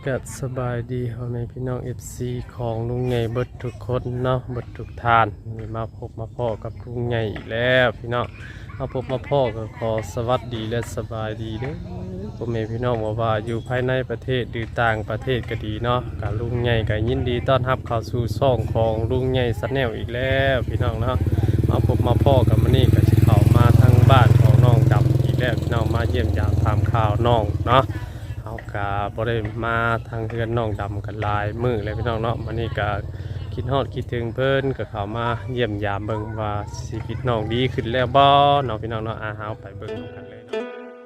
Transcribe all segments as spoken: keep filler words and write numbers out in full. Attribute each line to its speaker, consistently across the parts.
Speaker 1: ก็สบายดีพ่อแม่พี่น้อง เอฟ ซี ของลุงใหญ่เบิดทุกคนเนาะเบิดทุกทานนี่มาพบมาพ่อกับลุงใหญ่อีกแล้วพี่น้องมาพบมาพ่อก็ขอสวัสดีและสบายดีเด้อพ่อแม่พี่น้องว่าว่าอยู่ภายในประเทศหรือต่างประเทศก็ดีเนาะกับลุงใหญ่ก็ยินดีต้อนรับเข้าสู่ช่องของลุงใหญ่ซันแนลอีกแล้วพี่น้องเนาะมาพบมาพ่อกับมื้อนี้ก็สิเข้ามาทางบ้านของน้องดำอีกแล้วพี่น้องมาเยี่ยมยามถามข่าวน้องเนาะเอากะบ่ได้มาทางเฮือนน้องดำกันหลายมื้อเลยพี่น้องเนาะมื้อนี้ก็คิดฮอดคิดถึงเพิ่นก็เข้ามาเยี่ยมยามเบิ่งว่าชีวิตน้องดีขึ้นแล้วบ่เนาะพี่น้องเนาะอาเฮาไปเบิ่งกันเลยเนาะ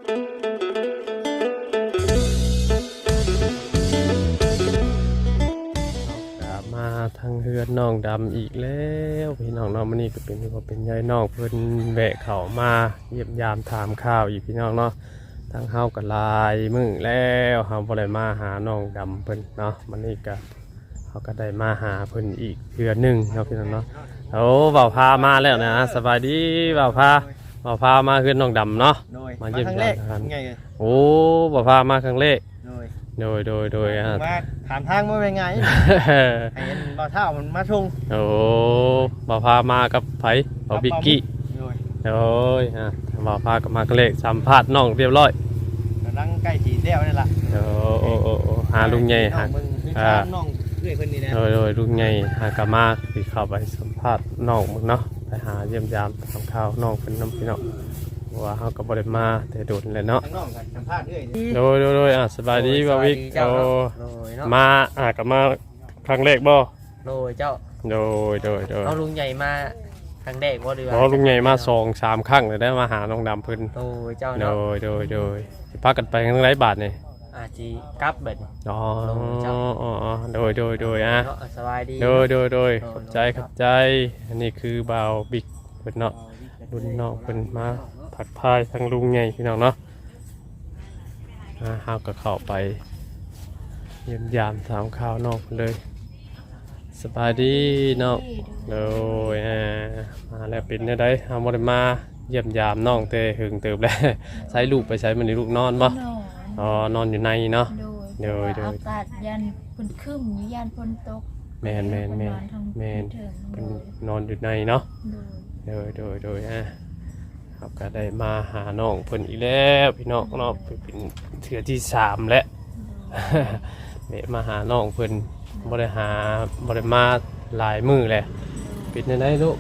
Speaker 1: ก็มาทางเฮือนน้องดำอีกแล้วพี่น้องเนาะมื้อนี้ก็เป็นว่าเป็นยายน้องเพิ่นแวะเข้ามาเยี่ยมยามถามข่าวอีกพี่น้องเนาะทางเฮาก็ลายมื้อแล้วเฮาบ่ได้มาหาน้องดำเพิ่นเนาะมื้อนี้ก็เฮาก็ได้มาหาเพิ่นอีกเทื่อนึงเนาะพี่น้องเนาะโอ้บ่าวพามาแล้วนะสบายดีบ่าวพาบ่าวพามาเฮือนน้องดำเนาะมาเยี่ยมยามกันโอ้บ่าวพามาครั้งแรกโดยโดยโดยอ่ะ
Speaker 2: มาถามทางว่าเป็นไง ให้เห็นบ่าวเท่ามันมาชง
Speaker 1: โอ้บ่าวพามากับไผบ่าวบิกกี้โอ้ยฮะบ่าวพากับมาครั้งแรกสัมภาษณ์น้องเรียบร้อย
Speaker 2: กำลังใกล้สีเดียวนี่แหละ
Speaker 1: โอ้โอ้โอ้โอ้หาลุงใหญ่หา
Speaker 2: มึงคือชามน้องเพื่อนคนนี้นะ
Speaker 1: โดยโดยลุงใหญ่หากามาสิเข้าไปสัมภาษณ์น้องมึงเนาะไปหาเยี่ยมยามทำข่าวน้องเป็นน้ำพี่น้องว่าเฮาก็บ่ได้มาแต่โดนเลยเนาะ
Speaker 2: ทั้งน้องกันสัมภาษณ์เรื่อย
Speaker 1: โดยโดยโดยอ่ะสบายดีบ่าววิกโอ้มาอ่ะก็มาครั้งแรกบ่
Speaker 3: โดยเจ้า
Speaker 1: โดยโดยโดย
Speaker 3: เอาลุงใหญ่มาครั้งแรกว่าดีว่า
Speaker 1: อ๋อลุงใหญ่มาสองสามครั้งเลยได้มาหาน้องดำเพิ่น
Speaker 3: โดยเจ้า
Speaker 1: โด
Speaker 3: เนาะ
Speaker 1: ยโดยโดยสิพากันไปทางไรบาทนี่
Speaker 3: อาจีกลับเบ็ด
Speaker 1: อ๋ออ๋ออ๋อโดยโดยโดยอ่ะ
Speaker 3: เนาะสบายดี
Speaker 1: โดยโดยโดยขอบใจขอบใจอันนี้คือบ่าวบิ๊กเพิ่นเนาะรุ่นน้องเพิ่นมาผักพายทางลุงใหญ่พี่น้องเนาะอ่าเฮาก็เข้าไปเยี่ยมยามถามข่าวน้องเพิ่นเลยสบายดีเนาะโดยอ่ามาแล้วเป็นจังได๋เฮาบ่ได้มาเยี่ยมยามน้องแต่หึงเติบแล้ว ใช้ลูกไปใช้มันนี่ลูกนอนบ่
Speaker 4: นอน
Speaker 1: อ๋อนอนอยู่ในเนาะ
Speaker 4: โดย
Speaker 1: โดยโดย
Speaker 4: อากาศยันฝนขึ้นยันฝนตก
Speaker 1: แม่นแม่นแม่นแม่น
Speaker 4: เถิง
Speaker 1: เป็นนอนอยู่ในเนาะ
Speaker 4: โดย
Speaker 1: โดยโดยโดยอ่ะครับก็ได้มาหาน้องเพิ่นอีกแล้วพี่น้องเนาะเป็นเทื่อที่สามแล้ว เวะมาหาน้องเพิ่นบ่ได้หาบ่ได้มาหลายมื้อแหละเป็นจังไดลูก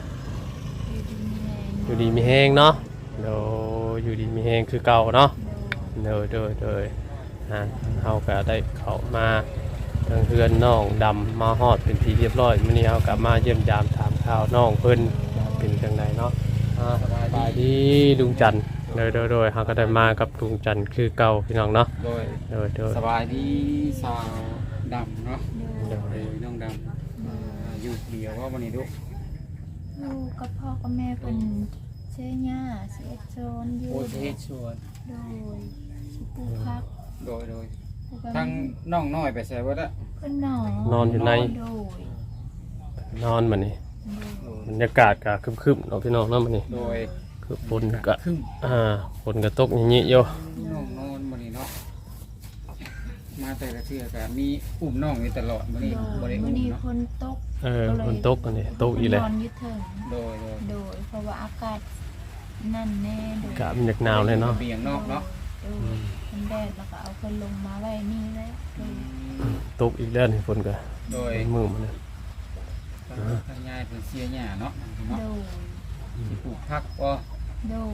Speaker 1: อยู่ดีมีแฮงเนาะโดยอยู่ดีมีแฮงคือเก่าเนาะโดยโดยโดยอ่ะเฮาก็ได้เข้ามาทางเฮือนน้องดำมาฮอดเป็นที่เรียบร้อยมื้อนี้เฮาก็มาเยี่ยมยามถามข่าวน้องเพิ่นว่าเป็นจังไดเนาะอ่าสบายดีลุงจันทร์โดยโดยโดยเฮาก็ได้มากับลุงจันทร์คือเก่าพี่น้องเนาะ
Speaker 5: โดย
Speaker 1: โดยโดย
Speaker 5: สบายดีสาวดำเนาะ
Speaker 1: โด
Speaker 5: โด
Speaker 1: ย
Speaker 5: ยน้องดำอ่าอยู่เดียวว่าวันนี้ลูก
Speaker 4: ลูกกับพ่อกับแม่เป็นเชื่อย่าเสียโซนอยู่
Speaker 5: โอเทศชวน
Speaker 4: โดยสิปลูกพัก
Speaker 5: โดยโดย
Speaker 4: ปลูกกับ
Speaker 5: ทั้งน้องน้อยไปใส่ว่าละ
Speaker 4: เพื่อนหนอน
Speaker 1: นอนอยู่ใน
Speaker 4: โดย
Speaker 1: นอนมานี่
Speaker 4: โดย
Speaker 1: บรรยากาศก็ครึมๆเนาะพี่น้องเนาะมานี่
Speaker 5: โดย
Speaker 1: คือฝนก็
Speaker 5: ครึ่ง
Speaker 1: อ่าฝนก็ตกอย่างนี้อยู่
Speaker 5: น้องนอนวันนี้เนาะมาแต่ละเทื่อก็มีอุ้มน้องอยู่ตลอดวันนี้
Speaker 4: โด
Speaker 5: บ
Speaker 4: ย
Speaker 5: ริ
Speaker 4: มื้
Speaker 5: อุ้
Speaker 4: อ
Speaker 5: ม
Speaker 4: นี้
Speaker 5: เนาะ
Speaker 4: ฝนตก
Speaker 1: เออฝนตกอันนี้ตกอีกแล้ว
Speaker 4: นอนอยึดเถิง
Speaker 5: โดยโดย
Speaker 4: โดยเพราะว่าอากาศนั่นแน่โดย
Speaker 1: กะมันอยากหนาวเลยเนาะ
Speaker 5: เบียงนอกเนาะ
Speaker 4: โดยมันแดดแล้วก็เอาคนลงมาไว้นี่แล้วโดย
Speaker 1: ตกอีกแล้วนี่ฝนก็
Speaker 5: โดย
Speaker 1: มือมันเลย
Speaker 5: ทางยายเป็นเสียหญ้าเนาะ
Speaker 4: โด
Speaker 5: เนาะ
Speaker 4: ย
Speaker 5: สิปลูกผักก็
Speaker 4: โดย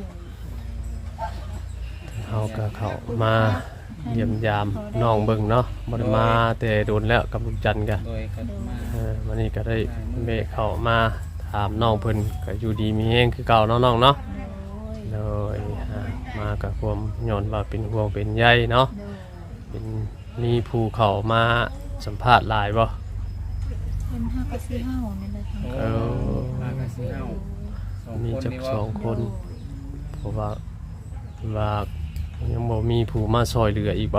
Speaker 1: เฮาก็เข้ามาเยี่ยมยามน้องเบิ่งเนาะบ่ได้มาแต่โดนแล้วกับลุงจันทร์ก็
Speaker 5: โดยก็มา
Speaker 1: เออวันนี้ก็ได้เมฆเข้ามาถามน้องเพิ่นก็อยู่ดีมีแฮงคือเก่าเนาะน้องเนาะ
Speaker 4: โดย
Speaker 1: โดยอ่ามากับความย้อนว่าเป็นห่วงเป็นใยเนาะ
Speaker 4: โดย
Speaker 1: เป็นมีผู้เข้ามาสัมภาษณ์หลายบ่
Speaker 4: เป็นห้ากระซีห้านี่เลยทั้ง
Speaker 5: โอ้มากันสิเอาสอง
Speaker 1: มี
Speaker 5: คน
Speaker 1: จัก
Speaker 5: นี่
Speaker 1: ส
Speaker 5: ว่า
Speaker 1: องคน เพราะว่าว่ายังบ่มีผู้มาซอยเหลืออีกบ่
Speaker 4: บ่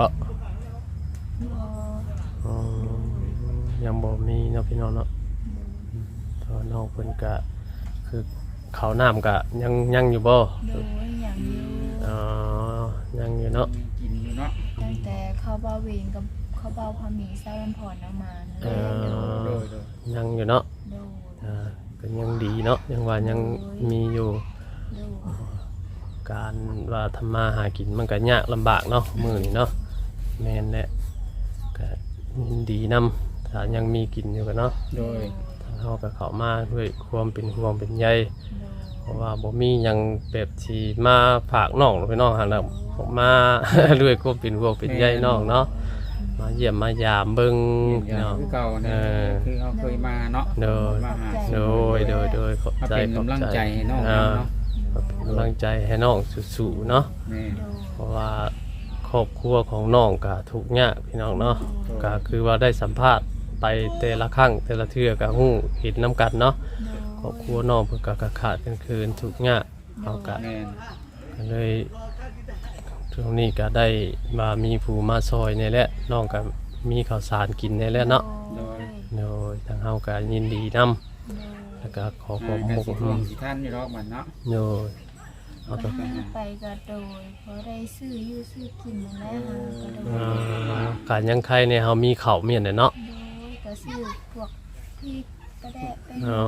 Speaker 1: อ๋อยังบ่มีเนาะพี่น้องเนาะเพราะน้องเพิ่นก็คือข้าวน้ำก็ยังยังอยู่บ่
Speaker 4: โดยอย่างอยู่
Speaker 1: อ๋อยังอยู่เนาะ
Speaker 5: กินอยู่เนาะ
Speaker 4: ตั้งแต่เข้าบ้าเวงกับเขาเบาพามีเศร้าลำพรเอามานั่นแห
Speaker 1: เอ
Speaker 4: ละโด
Speaker 1: อย
Speaker 5: โดยโดย
Speaker 1: ยังอยู่เนาะ
Speaker 4: โดย
Speaker 1: อ่าก็ยังดีเนาะยังว่ายังมีอยู่
Speaker 4: โดย
Speaker 1: การว่าทำมาหากินมันก็ยากลำบากเนาะมื้อนี้เนาะแม่นแหละก็ยินดีนํถ้ายังมีกินอยู่ก็เนาะ
Speaker 5: โดย
Speaker 1: ทางเฮาก็เข้ามาด้วยความเป็นห่วงเป็นใย
Speaker 4: โดย
Speaker 1: เพราะว่าบ่มีหยังแบบที่มาฝากน้องหรือพี่น้องหั่นน่ะมา ด้วยความเป็นห่วงเป็นใยน้องเนาะมาเยี่ยมมายามเบิ่ง
Speaker 5: เห็นอย่าง
Speaker 1: เนาะ
Speaker 5: คือเก่า
Speaker 1: เอ
Speaker 5: เนี่ย
Speaker 1: อ
Speaker 5: คือเขาเคยมาเนาะ
Speaker 1: โดย
Speaker 5: มาหา
Speaker 1: โดยโดยโดยขอบ
Speaker 5: มา
Speaker 1: ใจ
Speaker 5: เป็น
Speaker 1: ขอบ
Speaker 5: กำลังใจให้น้อง
Speaker 1: อ่า
Speaker 5: เนาะ
Speaker 1: เป็นกำลังใจให้น้องสู้ๆเนาะ
Speaker 5: แม่
Speaker 4: โดย
Speaker 1: เพราะว่าครอบครัวของน้องก็ทุกข์ยากพี่น้องเนาะก็คือว่าได้สัมภาษณ์ไปแต่ละครั้งแต่ละเทื่อก็ฮู้เห็นน้ำกันเนาะครอบครัวน้องเพิ่นก็ขาดกันคืนทุกข์ยากเอาก็
Speaker 5: แม่
Speaker 1: ก็เลยช่วงนี้ก็ได้มามีผู้มาซอยนี่แหละน้องก็มีข้าวสารกินนี่แหละเนาะ
Speaker 4: โดย
Speaker 1: โดยทางเฮาก็ยินดีนำแล้วก็ขอขอบ
Speaker 5: อ่า
Speaker 1: มุ
Speaker 5: ก็
Speaker 1: ก
Speaker 5: สิห่วงสิท่านอยู่รอกมันเนาะ
Speaker 1: โดยเอา
Speaker 4: ก็
Speaker 1: ก็
Speaker 4: ให้ไปก็โดยเพราะได้ซื้ออยู่ซื้อกินนั่นแหละฮะก็โด
Speaker 1: อ่
Speaker 4: ย
Speaker 1: าการยังใครเนี่ยเฮามีข้าวเมียนน่ะเนาะ
Speaker 4: โดยก็ซื้อพวกพริกกระแดะไป
Speaker 1: อ๋อ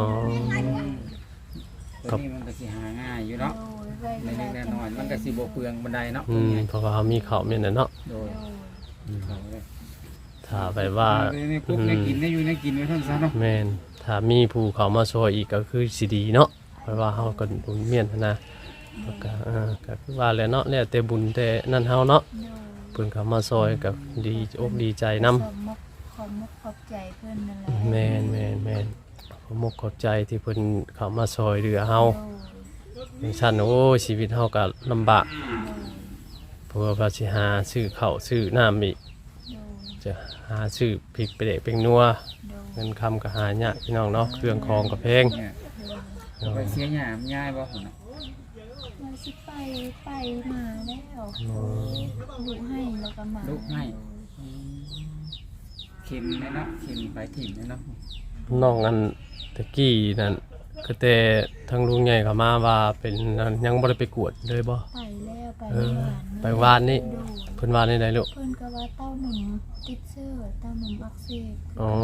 Speaker 5: ตัวนี้มันก็สิหาง่ายอยู่เนาะ
Speaker 4: โดยไว้เว
Speaker 5: ใน
Speaker 4: ลา
Speaker 5: เล็กๆน้อยๆมันก็สิบ่เปลืองบันไดเนาะ
Speaker 1: อืมเพราะว่าเฮามีข้าวเมียนน่ะเนาะ
Speaker 5: โดย
Speaker 4: โดย
Speaker 5: เอาเลย
Speaker 1: ถ้าไปว่า
Speaker 5: ในคุกในกินได้อยู่ในกินไว้ท่านซะเนาะ
Speaker 1: แม่นถ้ามีผู้เขามาช่วยอีกก็คือสิดีเนาะเพราะว่าเฮาก็บุญเมียนหั้นนะแล้วก็เออก็คือว่าแหล้วเนาะแล้วแต่บุญแต่นั่นเฮาเนาะ
Speaker 4: โดย
Speaker 1: เพิ่นเขามาช่วยก็ดีอกดีใจนํ
Speaker 4: ขอบมกขอบมกขอบใจเพื่อนนั่นแหละ
Speaker 1: แม่นแม่นแม่นขอบมกขอบใจที่เพิ่นเข้ามาช่วยเหลือเฮา
Speaker 4: โดย
Speaker 1: อย่างซั่นโอ้ชีวิตเฮาก็ลำบาก
Speaker 4: โดย
Speaker 1: เพราะว่าสิหาซื้อข้าวซื้อน้ำอีก
Speaker 4: โดย
Speaker 1: จะหาซื้อพริกไปเดะเป็นนัว
Speaker 4: โดย
Speaker 1: เงินคำก็หายากพี่น้องเนาะเครื่องคองก็แพง
Speaker 5: เนี่ย
Speaker 4: โดย
Speaker 5: ไปเสียหยามง่ายบ่หุ่นน่ะ
Speaker 4: มาสิไปไปมาแล้ว
Speaker 1: อ๋อ
Speaker 4: ลุให้แล้วก็มา
Speaker 5: ลุกให้อืมเข็มแน่เนาะเข็มไปถิ่มแน่เนาะ
Speaker 1: น้องอันตะกี้นั่นก็แต่ทางลุงใหญ่เขามาว่าเป็นอันยังบ่ได้ไปกวดเลยบ่
Speaker 4: ไปแล้วไป
Speaker 1: เออ
Speaker 4: หวาน
Speaker 1: ไปวานนี่
Speaker 4: โดย
Speaker 1: เพิ่นว่าได้ไดลูก
Speaker 4: เพิ่นก็ว่าเต้าหนุ่มติดเชื้อเต้าหนุ่มอักเสบ
Speaker 1: อ๋อ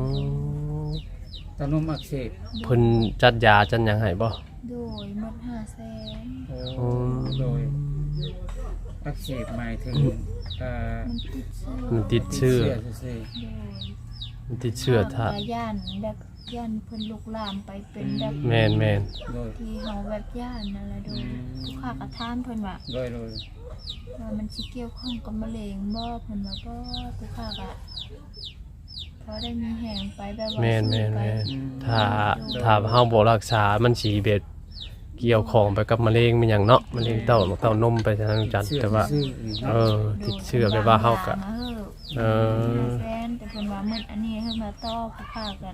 Speaker 5: ตอนนุ่มอักเสบ
Speaker 1: เพิ่นจัดยาจัดหยังให้บ่
Speaker 4: โดยหมดห้าแสน
Speaker 5: โอ้โดยอักเสบหมายถึงเอ่อ
Speaker 4: มันติดเชื้อ
Speaker 1: มันติดเชื้อ
Speaker 5: ซื่อ
Speaker 4: โดย
Speaker 1: มันติดเชื้อถ้า
Speaker 4: ทางย่านแบบย่านเพิ่นลุกลามไปเป็นแบบ
Speaker 1: แม่นแม่น
Speaker 5: ๆโดย
Speaker 4: ที่เฮาแบบย่านนั่นแหละโดยผู้ค้ากระทานเพิ่นว่า
Speaker 5: โดยโดย
Speaker 4: ว่ามันสิเกี่ยวข้องกับมะเร็งบ่เพิ่นว่าบ่ผู้ค้ากะพอได้มีแหงไปแบบว่า
Speaker 1: แม่นแม่น
Speaker 4: ไป
Speaker 1: แม่นถ้าถ้าเฮาบ่รักษามันสิเบ็ดเกี่ยวของไปกับมะเร็งมันหยังเนาะมะเร็งเต้าเต้านมไปทางจันทร์แต่ว่า
Speaker 5: ซื่อๆนี่
Speaker 1: เอ
Speaker 5: เนาะ
Speaker 1: อติดเชื้อไปว่าเฮาก็
Speaker 4: เอ
Speaker 1: เอ
Speaker 4: อ
Speaker 1: อ
Speaker 4: แฟนแต่เพิ่นว่ามื้ออันนี้เฮามาต่อผู้ค้ากัน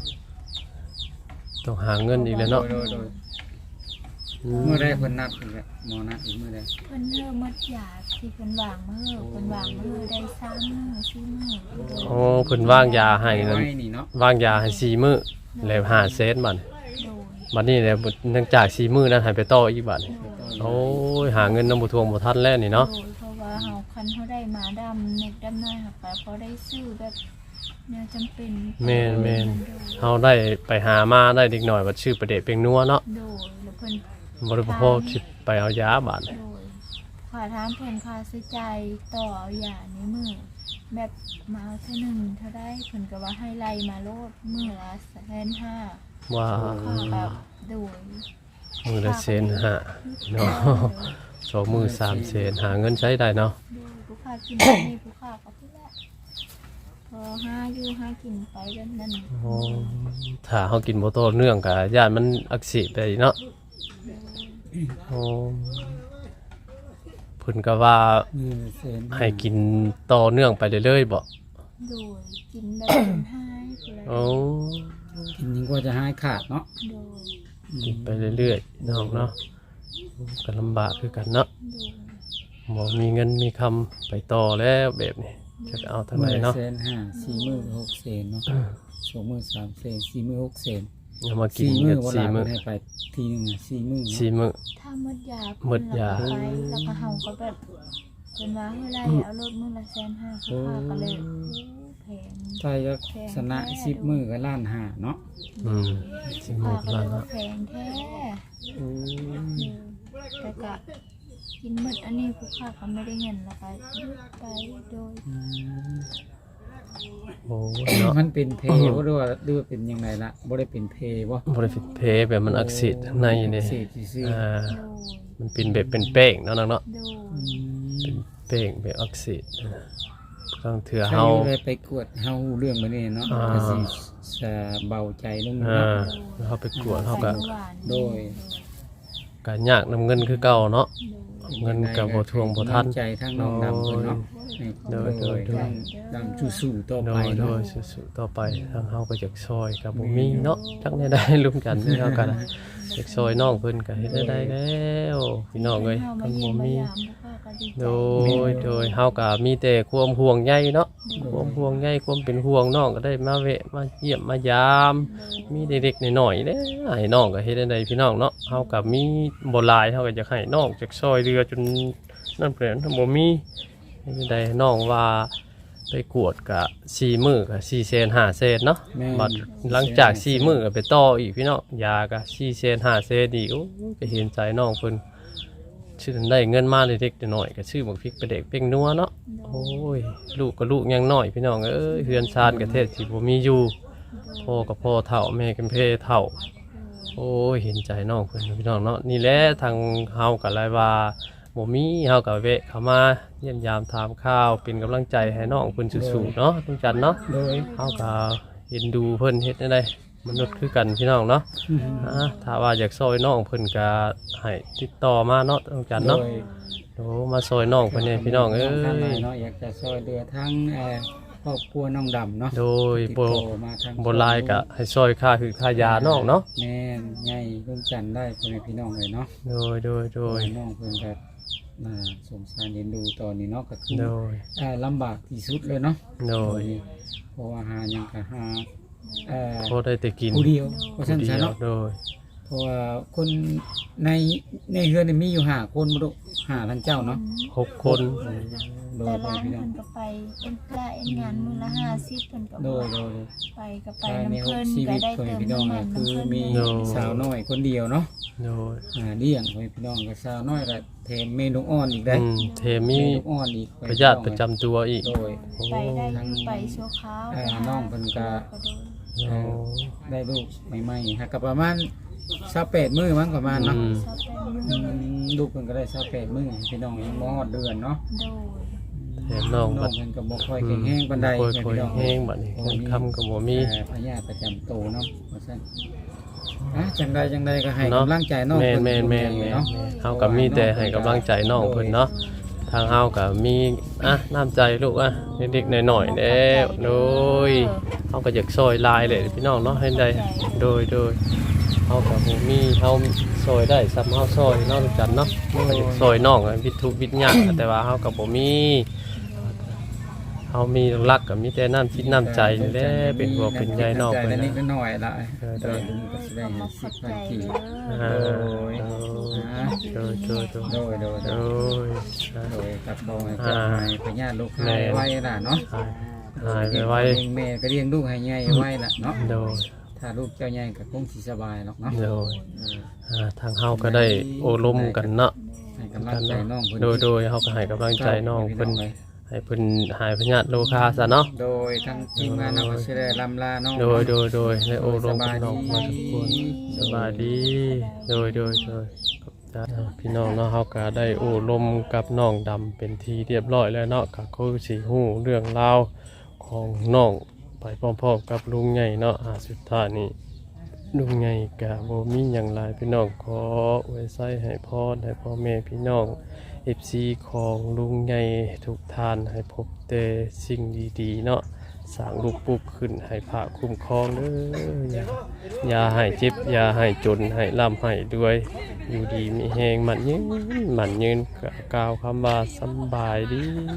Speaker 1: ต้องหาเงินอีกแล้วเนาะ
Speaker 5: โดยโดย
Speaker 1: อื
Speaker 5: เมื่อใดเพิ่นนัดอีกอะหมอนัดอีกเมื่อใด
Speaker 4: เพิ่นเริ่มมัดยาที่เพิ่นวางมาเฮอเพิ่นวางมาเฮอได้สามมื้อสี่มื้อโดย
Speaker 1: โอ้เพิ่นวางยาให้นั่น
Speaker 5: ไว้นี่เนาะ
Speaker 1: วางยาให้สี่มื้อแล้วห้าเซนบัด
Speaker 4: โดย
Speaker 1: บัดนี้แหละเนื่องจากสี่มื้อนั้นให้ไปต่ออีกบัด
Speaker 4: โดย
Speaker 1: โอ้ยหาเงินนำบ่ทวงบ่ทันแล้วนี่เนาะ
Speaker 4: โดยเพราะว่าเฮาคันเฮาได้มาดำเน็กดำน้อยหักไปเพราะได้ซื้อแบบแนวจำเป็น
Speaker 1: แม่นแม่น
Speaker 4: โดย
Speaker 1: เฮาได้ไปหามาได้เด็กน้อยว่าชื่อประเดะเป็งนัวเนาะ
Speaker 4: โดยแล้วเพิ่น
Speaker 1: บ่ได้พอคิดไปเอายาบาด
Speaker 4: โดยค่าถามเพิ่นค่าใช้จ่ายต่อเอายาในมือแบบมาเอาเท่าหนึงเท่าได้เพิ่นก็ว่าให้ไล่มาโลดมื้อละแสนห้า
Speaker 1: ว่า
Speaker 4: ค่าแบบโดย
Speaker 1: มื้อละเซนห้าเนาะสองมื้อสามเซนหาเงินใช้ได้เนาะ
Speaker 4: โดยผู้ค้ากินแบบนี้ผู้ค้าก็พุ่นแหละพอหาอยู่หากินไปแบบนั้น
Speaker 1: โอ้ถ้าเฮากินบ่ต่อเนื่องก็ย่านมันอักเสบไปเนาะโอ้เพิ่นก็ว่า
Speaker 5: นี่เซน
Speaker 1: ให้กินต่อเนื่องไปเรื่อยๆบ่
Speaker 4: โดยกินแบบเป็นหายพุ่นแหละ
Speaker 1: โอ้
Speaker 5: กินยิ่งกว่าจะหายขาดเนาะ
Speaker 4: โดย
Speaker 1: กินไปเรื่อยๆน้องเนาะก็ลำบากคือกันเนาะ
Speaker 4: โดย
Speaker 1: บ่มีเงินมีคำไปต่อแล้วแบบนี้จะเอาทางไหนเนาะ
Speaker 5: เซนห้าสี่มื้อหกเซนเนาะสองมื้อสามเซนสี่มื้อหกเซน
Speaker 1: เอามากิน
Speaker 5: สี่มื้
Speaker 1: กั
Speaker 5: อน วัน
Speaker 1: สี่
Speaker 5: ละ
Speaker 1: มื้อ
Speaker 5: ให้ไปทีหนึงอะสี่มื้อเนาะ
Speaker 1: สี่มื้อ
Speaker 4: ถ้าหมดยา
Speaker 1: หมดยา
Speaker 4: เพิ่นแล้วก็ไปแล้วก็เฮาก็แบบเพิ่นว่าเฮ้ยไล่เอารถมื้อละแสนห้าคือค่าก็เลยโอ้แพง
Speaker 5: ถ้าจะชนะสิบมื้อก็ล้านห้าเนาะ
Speaker 1: อืมสิหม
Speaker 4: ค่า
Speaker 1: ด
Speaker 4: ก็เล
Speaker 1: แล้ว
Speaker 4: ยว่า
Speaker 1: เนาะ
Speaker 4: แพงแท้แต่ก็กินหมดอันนี้ผู้ค่าก็ไม่ได้เงินแล้วก็หยุดไปโดย
Speaker 1: โอ้เนาะ
Speaker 5: มันเป็นเพบ่รู้ว่าหรือว่าเป็นยังไงล่ะบ่ได้เป็นเพบ่
Speaker 1: บ่ได้เป็นเพแบบมันอักเสบข้างในนี่
Speaker 5: เศษซื่อ
Speaker 1: อ่า
Speaker 4: โดย
Speaker 1: มันเป็นแบบเป็นแป้งเนาะน้องเนาะ
Speaker 4: โดย
Speaker 1: เป็นแป้งแบบอักเสบต้องเถื่อ
Speaker 5: ๆ
Speaker 1: เฮา
Speaker 5: เฮาเลยไปกวดเฮาเรื่องมื้อนี้เนาะ
Speaker 1: อ่า
Speaker 5: ก็สิจะเบาใจลง
Speaker 1: อ่า
Speaker 5: เนาะ
Speaker 1: เฮาไปกวดเฮาก็
Speaker 4: ไปเมื่อวาน
Speaker 5: โดย
Speaker 1: ก็ยากนำเงินคือเก่าเนาะเงินก็บ่ทวงบ่ทัน
Speaker 5: กำลังใจทางน้องดำเพิ่นเนาะ
Speaker 1: โดยโดยโดย
Speaker 5: ทางดำสู้ๆต่อ
Speaker 1: โด
Speaker 5: ไป
Speaker 1: ยโด
Speaker 5: เนาะ
Speaker 1: ยสู้ๆต่อไปทางเฮาก็อยากซอยก็บ่มีเนาะจักแนวใดร่วมกันเฮากันอยากซอยน้องเพิ่นก็เฮ็ดได้แล้วพี่น้องเอ้ย
Speaker 4: เฮา
Speaker 1: มั
Speaker 4: มาน เยี่ย
Speaker 1: บ่
Speaker 4: มมา
Speaker 1: มี
Speaker 4: ยามผู้ค่าก็ดีใจ
Speaker 1: โดยโดยเฮาก็มีแต่ความห่วงใยเนาะความห่วงใยความเป็นห่วงน้องก็ได้มาแวะมาเยี่ยมมายาม มีเด็กๆน้อยๆเด้อให้น้องก็เฮ็ดได้พี่น้องเนาะเฮาก็มีบ่หลายเฮาก็อยากให้น้องจักซอยเรือจนนั่นเปลี่ยนบ่มีเฮ็ดได้น้องว่าไปกวดก็สี่มื้อก็สี่แสนห้าแสนเนาะ
Speaker 5: แม่น
Speaker 1: บัดหลังจากสี่มื้อก็ไปต่ออีกพี่น้องยาก็สี่แสนห้าแสนอีกโอ้ยก็เห็นใจน้องเพิ่นชื่อได้เงินมาเล็กๆน้อยๆก็ชื่อบักพริกไปเด็กเป้งนัวเนาะโอ้ยลูกก็ลูกยังน้อยพี่น้องเอ้ยเฮือนชานก็แท้สิบ่มีอยู่พ่อก็พ่อเฒ่าแม่ก็เพเฒ่า โอ้ยเห็นใจน้องเพิ่นพี่น้องเนาะนี่แหละทางเฮาก็เลยว่าบ่มีเฮาก็แวะเข้ามาเยี่ยมยามถามข่าวเป็นกำลังใจให้น้องเพิ่นสู้ๆเนาะทุกจันเนาะ
Speaker 5: โดย
Speaker 1: เฮาก็เห็นดูเพิ่นเฮ็ดได้ได้มนุษย์คือกันพี่น้องเนาะอ่าถ้าว่าอยากซอยน้องเพิ่นก็ให้ติดต่อมาเนาะทุกจัน
Speaker 5: โด
Speaker 1: เนาะ
Speaker 5: ย
Speaker 1: โอ้มาซอยน้องเพิ่นเนี่ยพี่น้องเอ้
Speaker 5: ทางไหน
Speaker 1: ย
Speaker 5: เนาะอยากจะช่วยเหลือทั้งเอ่อครอบครัวน้องดำเนาะ
Speaker 1: โดย
Speaker 5: ติด
Speaker 1: บ่
Speaker 5: ต่อมาทาง
Speaker 1: บ่หลายก็ให้ซอยค่าคือค่ายาน้องเนาะ
Speaker 5: แม่นใหญ่ร่วมกันได้พ่อแม่พี่น้องเลยเนาะ
Speaker 1: โดยโดยโดย
Speaker 5: น้องเพิ่นก็น่าสงสารเรียนดูตอนนี้เนาะก็คือ
Speaker 1: โดย
Speaker 5: เอ่อลำบากที่สุดเลยเนาะ
Speaker 1: โดย
Speaker 5: เพราะว่าหาหยังก็หาเอ่อ
Speaker 1: พอได้แต่กิน
Speaker 5: ผู้เดียวเพราะฉะ
Speaker 1: ผู้
Speaker 5: นั้น
Speaker 1: เดียว
Speaker 5: เนาะ
Speaker 1: โดย
Speaker 5: เพราะว่าคนในในเฮือนนี่มีอยู่ห้าคนบ่ลูกห้าท่านเจ้าเนาะ
Speaker 1: หกคน
Speaker 5: โด
Speaker 4: แต่
Speaker 5: ยพ่อ
Speaker 4: ร้าน
Speaker 5: พี่น้อง
Speaker 4: เพิ่นก็ไปเอ็นละเอ็นงานมื้อละห้าสิบเพิ่นก็
Speaker 5: โด
Speaker 4: บ่
Speaker 5: ยโดย
Speaker 4: ไปก็ไป
Speaker 5: ภายใน
Speaker 4: น้ำ
Speaker 5: หก
Speaker 4: เพิ่น
Speaker 5: ชี
Speaker 4: ก็
Speaker 5: วิต
Speaker 4: ได้
Speaker 5: พ่อ
Speaker 4: เติ
Speaker 5: แม่
Speaker 4: ม
Speaker 5: พี่น้อง
Speaker 4: น้ำมั
Speaker 5: ก็
Speaker 4: น
Speaker 5: คือ
Speaker 4: น้ำเพิ่น
Speaker 5: มี
Speaker 1: โดย
Speaker 5: สาวน้อยคนเดียวเนาะ
Speaker 1: โดย
Speaker 5: อ่าเลี้ยงพ่อแม่พี่น้องก็สาวน้อยก็แถมเมนูอ่อนอีกได้
Speaker 1: อืมเทมี
Speaker 5: เมนูอ่อนอีก
Speaker 1: พยาธิประจำตัวอีก
Speaker 5: โดย
Speaker 4: ไปได้อยู่ไปชั่วคราว
Speaker 5: เอ่อ
Speaker 4: ไปหา
Speaker 5: น้องเพิ่นก็
Speaker 4: โดน
Speaker 1: โอ้
Speaker 5: ได้ลูกใหม่ๆฮะก็ประมาณสามสิบแปดมื้อมั้งประมาณเนาะ
Speaker 1: อืม
Speaker 4: ชอบเป็น
Speaker 5: อื
Speaker 4: มือ
Speaker 5: มลูกเพิ่นก็ได้สามสิบแปดมื้อพี่น้องยังบ่ฮอดเดือนเนาะ
Speaker 4: โดย
Speaker 1: แถมน้อง
Speaker 5: น้
Speaker 1: บั
Speaker 5: อ
Speaker 1: ด
Speaker 5: งเพิ่นก็บ่ค่อยแข็งแรงปานใด
Speaker 1: ค่อย
Speaker 5: แม่
Speaker 1: ค่อย
Speaker 5: พี่น้อง
Speaker 1: แห้งบัดนี้เงินคำก็บ่มี
Speaker 5: เอ่อพยาธิประจำตัวเนาะว่าซั่นอ่ะจังใดจังใดก็ให้
Speaker 1: เนาะ
Speaker 5: กำลังใจน้อง
Speaker 1: แม่น
Speaker 5: เพิ่น
Speaker 1: แม่นแม่นแม่น
Speaker 5: เนาะ
Speaker 1: เฮาก็มีแต่ให้กำลังใจน้องเพิ่นเนาะทางเฮาก็มีอ่ะน้ำใจลูกอ่ะเด็กๆหน่อยๆเด้อโดยเฮาก็อยากซอยลายเลยพี่น้องเนาะให้ได้โดยโดยเฮาก็บ่มีเฮาซอยได้ซ้ำเฮาซอยเนาะทุกจันเนาะเฮาก็อยากซอยน้องอะวิทุวิทยากแต่ว่าเฮาก็บ่มีเฮามีรักก็มีแต่น้ำจิตน้ำใจนี่แหละเป็นห่วงเป็นใยน้อง
Speaker 5: ใจ
Speaker 1: เพิ่น
Speaker 5: นิด
Speaker 1: นะ
Speaker 5: หน่อยละ
Speaker 1: เออ
Speaker 5: โดยลุงก็สิได้
Speaker 4: ข
Speaker 5: ให้
Speaker 4: อบ
Speaker 5: สิบ
Speaker 4: ใจ
Speaker 5: พันกี
Speaker 4: เด้อ
Speaker 1: อ่า
Speaker 5: โดย
Speaker 1: โดยโดยโดย
Speaker 5: โดยโดย
Speaker 1: โด
Speaker 5: โดย
Speaker 1: ย
Speaker 5: โดยตัดคอให้เจ้าให้พญาลูกให้ไว้ล่ะเนาะ
Speaker 1: หายไปไว้
Speaker 5: เลี้ยงแม่ก็เลี้ยงลูกให้ใหญ่ไว้ล่ะเนาะ
Speaker 1: โดย
Speaker 5: ถ้าลูกเจ้าใหญ่ก็คงสิสบายหรอกเนาะ
Speaker 1: โดยอ่าทางเฮาก็ได้โอลมกันเนาะ
Speaker 5: ให้กำลังใจน้องเพิ่น
Speaker 1: โดยโดยเฮาก็ให้กำลังใจน้องเพิ่นให้เพิ่นหายพยาธิโรคาซะเนาะ
Speaker 5: โดยทั้งทีมงานเราก็สิได้ลำลาน้อง
Speaker 1: โดยโดยโดยได้โอลมกับน้องมาทุกคนสบายดีโดยโดยโดยขอบใจพี่น้องเนาะเฮาก็ได้โอลมกับน้องดำเป็นที่เรียบร้อยแล้วเนาะก็คือสิฮู้เรื่องราวของน้องไปพร้อมๆกับลุงใหญ่เนาะอ่าสุดท้ายนี้ลุงใหญ่ก็บ่มีหยังหลายพี่น้องขออวยไส้ให้พรให้พ่อแม่พี่น้อง เอฟ ซี ของลุงใหญ่ทุกท่านให้พบแต่สิ่งดีๆเนาะสร้างลูกปลุกขึ้นให้พระคุ้มครองเด้ออย่าอย่าให้เจ็บอย่าให้จนให้ร่ำให้ด้วยอยู่ดีมีแหงมันยืนมันยืนกล่าวคำว่าสำบายดี